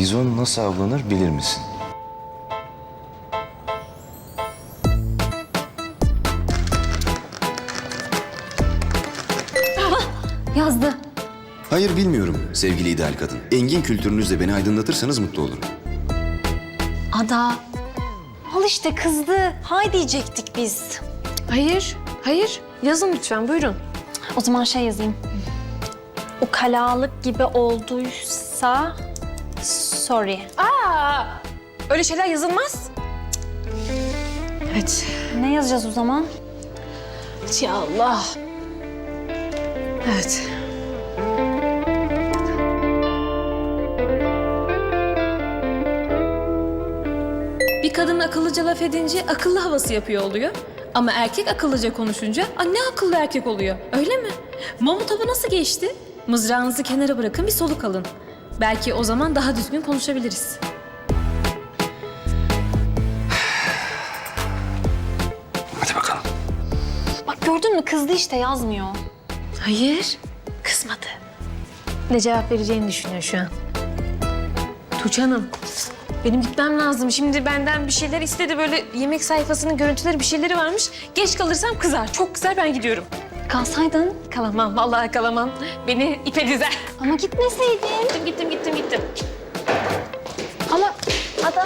Bizon nasıl avlanır bilir misin? Yazdı. Hayır bilmiyorum sevgili ideal kadın. Engin kültürünüzle beni aydınlatırsanız mutlu olurum. Ada. Al işte kızdı. Hay diyecektik biz. Hayır, hayır. Yazın lütfen, buyurun. O zaman şey yazayım. Ukalalık gibi olduysa sorry. Aa, öyle şeyler yazılmaz. Evet. Ne yazacağız o zaman? Ya Allah. Evet. Bir kadın akıllıca laf edince akıllı havası yapıyor oluyor. Ama erkek akıllıca konuşunca ne akıllı erkek oluyor, öyle mi? Mamut avı nasıl geçti? Mızrağınızı kenara bırakın, bir soluk alın. Belki o zaman daha düzgün konuşabiliriz. Hadi bakalım. Bak gördün mü kızdı işte yazmıyor. Hayır, kızmadı. Ne cevap vereceğini düşünüyor şu an. Tuğçe Hanım, benim gitmem lazım. Şimdi benden bir şeyler istedi. Böyle yemek sayfasının görüntüleri, bir şeyleri varmış. Geç kalırsam kızar. Çok kızar, ben gidiyorum. Kalsaydın Kalamam, vallahi kalamam. Beni ipe dizer. ama gitmeseydin. Gittim. Ama Ada.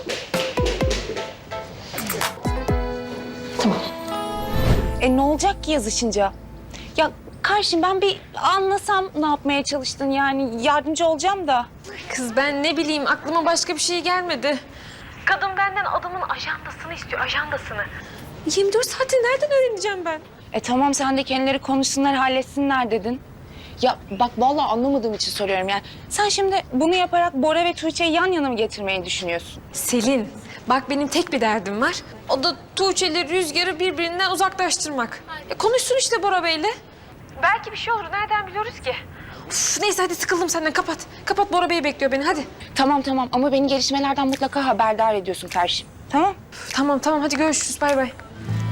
Ne olacak ki yazışınca? Ya karşım ben bir anlasam ne yapmaya çalıştın yani yardımcı olacağım da. Kız ben ne bileyim, aklıma başka bir şey gelmedi. Kadın benden adamın ajandasını istiyor, ajandasını. 24 saati nereden öğreneceğim ben? Tamam sen de kendileri konuşsunlar halletsinler dedin. Ya bak vallahi anlamadığım için soruyorum yani. Sen şimdi bunu yaparak Bora ve Tuğçe'yi yan yana mı getirmeyi düşünüyorsun? Selin, bak benim tek bir derdim var. O da Tuğçe'li Rüzgar'ı birbirinden uzaklaştırmak. Konuşsun işte Bora Bey'le. Belki bir şey olur, nereden biliyoruz ki? Uf, neyse hadi sıkıldım senden, kapat. Kapat, Bora Bey bekliyor beni, hadi. Tamam ama beni gelişmelerden mutlaka haberdar ediyorsun karşım. Tamam? Tamam hadi görüşürüz, bay bay.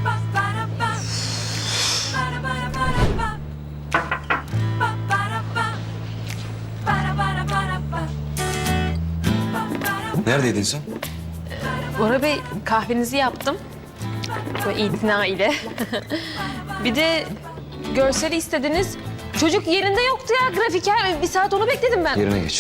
Neredeydin sen? Bora Bey, kahvenizi yaptım. Böyle itina ile. Bir de görseli istediniz. Çocuk yerinde yoktu ya, grafiker. Bir saat onu bekledim ben. Yerine geç.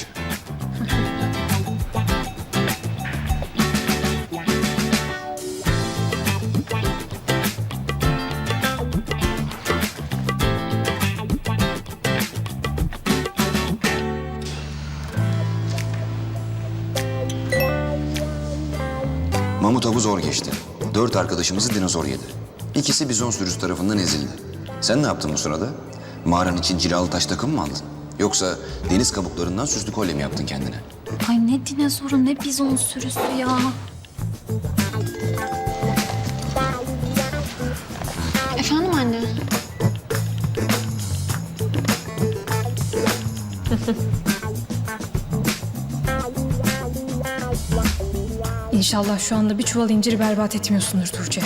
Mamut avı zor geçti. 4 arkadaşımızı dinozor yedi. İkisi bizon sürüsü tarafından ezildi. Sen ne yaptın bu sırada? Mağaran için cilalı taş takım mı aldın? Yoksa deniz kabuklarından süslü kolye mi yaptın kendine? Ay ne dinozoru ne bizon sürüsü ya. Efendim anne? İnşallah şu anda bir çuval inciri berbat etmiyorsundur Tuğçe.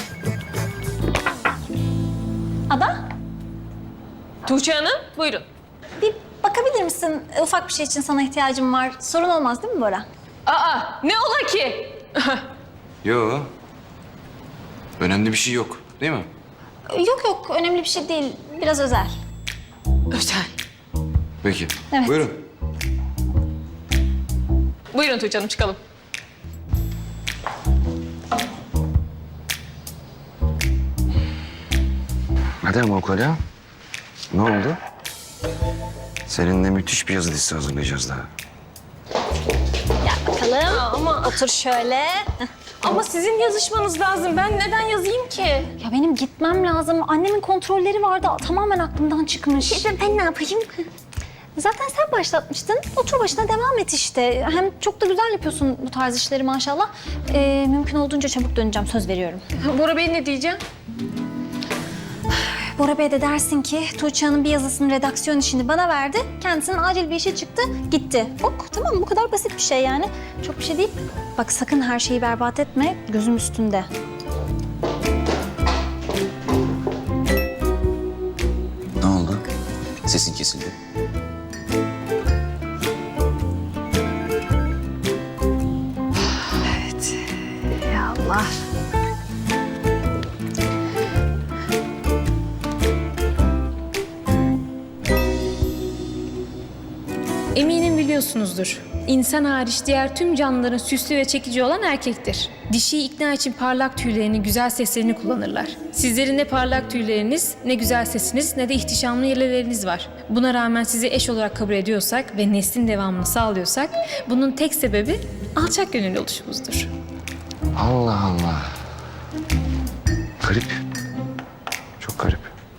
Ada? Tuğçe Hanım, buyurun. Bir bakabilir misin? Ufak bir şey için sana ihtiyacım var. Sorun olmaz değil mi Bora? Aa, ne ola ki? Yo. Önemli bir şey yok, değil mi? Yok önemli bir şey değil. Biraz özel. Özel. Peki. Evet. Buyurun. Buyurun Tuğçe Hanım, çıkalım. Hadi ama Ukala. Ne oldu? Seninle müthiş bir yazı dizisi hazırlayacağız daha. Gel bakalım. Ama Otur şöyle. Ama sizin yazışmanız lazım. Ben neden yazayım ki? Ya benim gitmem lazım. Annemin kontrolleri vardı. Tamamen aklımdan çıkmış. Ben ne yapayım? Zaten sen başlatmıştın. Otur başına devam et işte. Hem çok da güzel yapıyorsun bu tarz işleri maşallah. Mümkün olduğunca çabuk döneceğim. Söz veriyorum. Bora Bey ne diyeceğim? Bora Bey de dersin ki Tuğçe Hanım bir yazısının redaksiyon işini bana verdi. Kendisinin acil bir işi çıktı, gitti. Ok tamam bu kadar basit bir şey yani. Çok bir şey değil. Bak sakın her şeyi berbat etme. Gözüm üstünde. Ne oldu? Sesin kesildi. biliyorsunuzdur. İnsan hariç diğer tüm canlıların süslü ve çekici olan erkektir. Dişiyi ikna için parlak tüylerini, güzel seslerini kullanırlar. Sizlerin ne parlak tüyleriniz, ne güzel sesiniz, ne de ihtişamlı yeleleriniz var. Buna rağmen sizi eş olarak kabul ediyorsak ve neslin devamını sağlıyorsak, bunun tek sebebi alçak gönüllü oluşumuzdur. Allah Allah. Garip. Çok garip.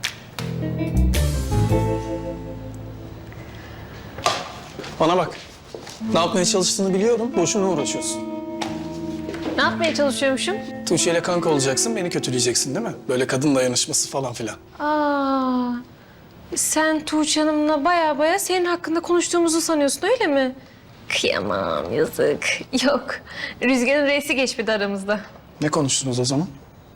Bana bak. Ne yapmaya çalıştığını biliyorum. Boşuna uğraşıyorsun. Ne yapmaya çalışıyormuşum? Tuğçe ile kanka olacaksın, beni kötüleyeceksin değil mi? Böyle kadın dayanışması falan filan. Aa, sen Tuğçe Hanım'la baya senin hakkında konuştuğumuzu sanıyorsun öyle mi? Kıyamam, yazık. Yok, Rüzgar'ın reisi geçmedi aramızda. Ne konuştunuz o zaman?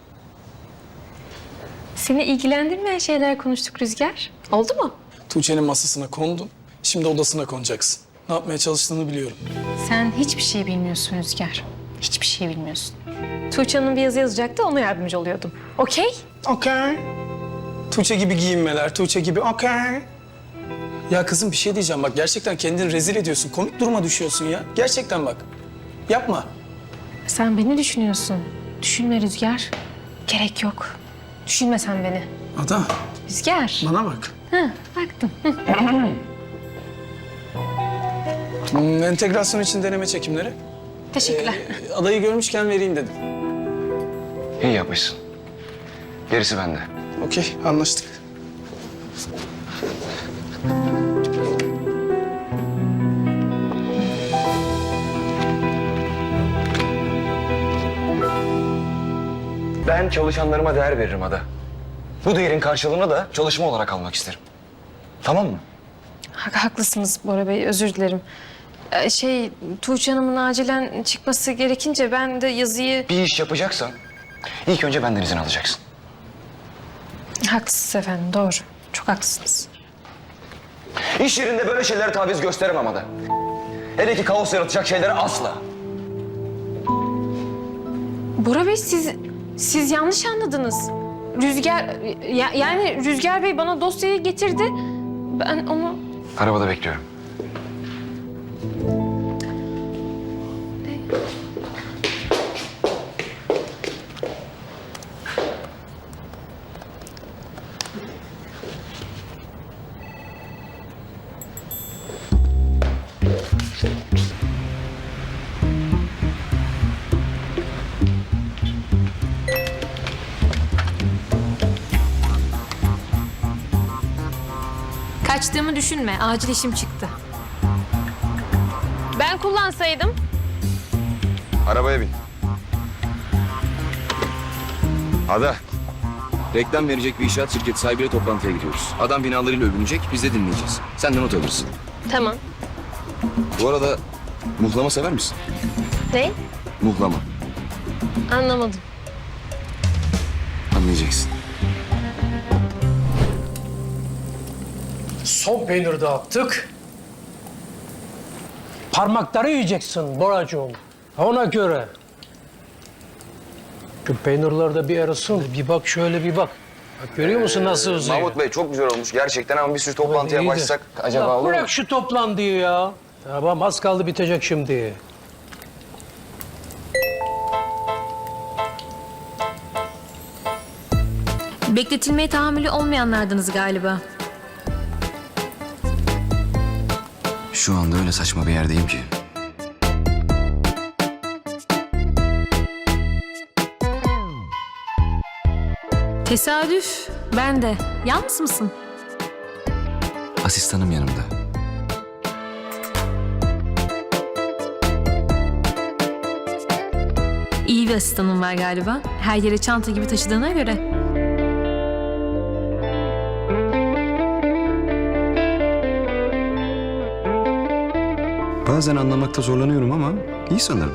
Seni ilgilendirmeyen şeyler konuştuk Rüzgar. Oldu mu? Tuğçe'nin masasına kondun. Şimdi odasına konacaksın. Ne yapmaya çalıştığını biliyorum. Sen hiçbir şey bilmiyorsun Rüzgar. Hiçbir şey bilmiyorsun. Tuğçe Hanım bir yazı yazacaktı, ona yardımcı oluyordum. Okey? Okey. Tuğçe gibi giyinmeler, Tuğçe gibi okey. Ya kızım bir şey diyeceğim bak. Gerçekten kendini rezil ediyorsun. Komik duruma düşüyorsun ya. Gerçekten bak. Yapma. Sen beni düşünüyorsun. Düşünme Rüzgar. Gerek yok. Düşünme sen beni. Ada, Rüzgar. bana bak. Hı, baktım. Entegrasyon için deneme çekimleri. Teşekkürler. Adayı görmüşken vereyim dedim. İyi yapmışsın. Gerisi bende. Okey, anlaştık. Ben çalışanlarıma değer veririm Ada. Bu değerin karşılığını da çalışma olarak almak isterim. Tamam mı? Haklısınız Bora Bey, özür dilerim. Tuğçe Hanım'ın acilen çıkması gerekince ben de yazıyı... Bir iş yapacaksan ilk önce benden izin alacaksın. Haklısınız efendim, doğru. Çok haklısınız. İş yerinde böyle şeylere taviz gösteremem Ada. Hele ki kaos yaratacak şeylere asla. Bora Bey, siz yanlış anladınız. Yani Rüzgar Bey bana dosyayı getirdi. Ben onu... Arabada bekliyorum. Kaçtığımı düşünme, acil işim çıktı. Ben kullansaydım. Arabaya bin. Ada. Reklam verecek bir inşaat şirketi sahibiyle toplantıya gidiyoruz. Adam binalarıyla övünecek, biz de dinleyeceğiz. Sen de not alırsın. Tamam. Bu arada muhlama sever misin? Ne? Muhlama. Anlamadım. Anlayacaksın. Son peynir dağıttık. Parmakları yiyeceksin Boracığım. Ona göre. Şu peynirler de bir arasın. Bir bak şöyle bir bak. Bak görüyor musun nasıl uzuyor? Mahmut Bey çok güzel olmuş gerçekten ama bir sürü toplantıya İyi de. başlasak acaba Ya olur mu? bırak şu toplantıyı ya. Tamam az kaldı bitecek şimdi. Bekletilmeye tahammülü olmayanlardınız galiba. Şu anda öyle saçma bir yerdeyim ki. Tesadüf. Ben de. Yalnız mısın? Asistanım yanımda. İyi bir asistanın var galiba. Her yere çanta gibi taşıdığına göre. Bazen anlamakta zorlanıyorum ama iyi sanırım.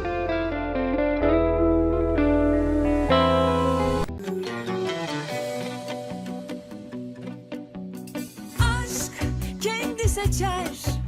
Aşk kendi seçer